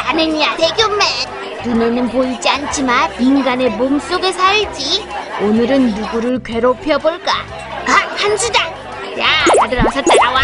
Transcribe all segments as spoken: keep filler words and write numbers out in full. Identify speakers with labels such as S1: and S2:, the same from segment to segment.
S1: 나는 야생견맨. 눈에는 보이지 않지만 인간의 몸속에 살지. 오늘은 누구를 괴롭혀볼까? 아, 한수다. 야, 다들 어서 따라와.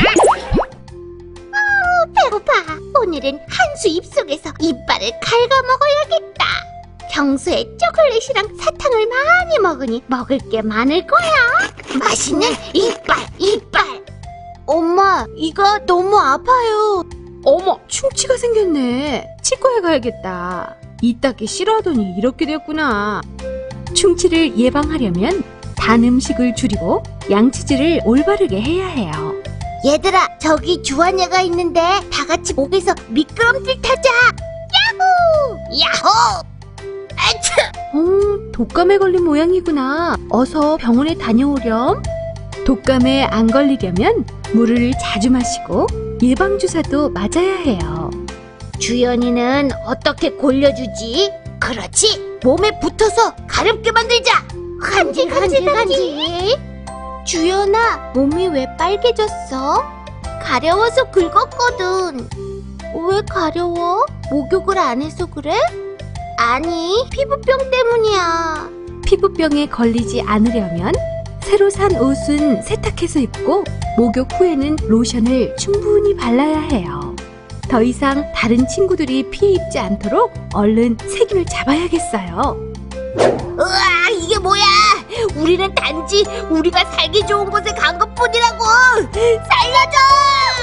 S1: 아, 배고파. 오늘은 한수 입속에서 이빨을 갉아먹어야겠다. 평소에 초콜릿이랑 사탕을 많이 먹으니 먹을 게 많을 거야. 맛있는 이빨, 이빨.
S2: 엄마, 이가 너무 아파요. 어머, 충치가 생겼네. 치과에 가야겠다. 이 닦기 싫어하더니 이렇게 됐구나. 충치를 예방하려면 단 음식을 줄이고 양치질을 올바르게 해야 해요.
S1: 얘들아, 저기 주환이가 있는데 다 같이 목에서 미끄럼틀 타자. 야호! 야호! 아차!
S2: 어, 독감에 걸린 모양이구나. 어서 병원에 다녀오렴. 독감에 안 걸리려면 물을 자주 마시고 예방주사도 맞아야 해요.
S1: 주연이는 어떻게 골려주지? 그렇지! 몸에 붙어서 가렵게 만들자! 간질 간질 간질! 주연아, 몸이 왜 빨개졌어? 가려워서 긁었거든. 왜 가려워? 목욕을 안 해서 그래? 아니, 피부병 때문이야.
S2: 피부병에 걸리지 않으려면 새로 산 옷은 세탁해서 입고 목욕 후에는 로션을 충분히 발라야 해요. 더 이상 다른 친구들이 피해 입지 않도록 얼른 세균을 잡아야겠어요.
S1: 으아, 이게 뭐야? 우리는 단지 우리가 살기 좋은 곳에 간 것뿐이라고. 살려줘!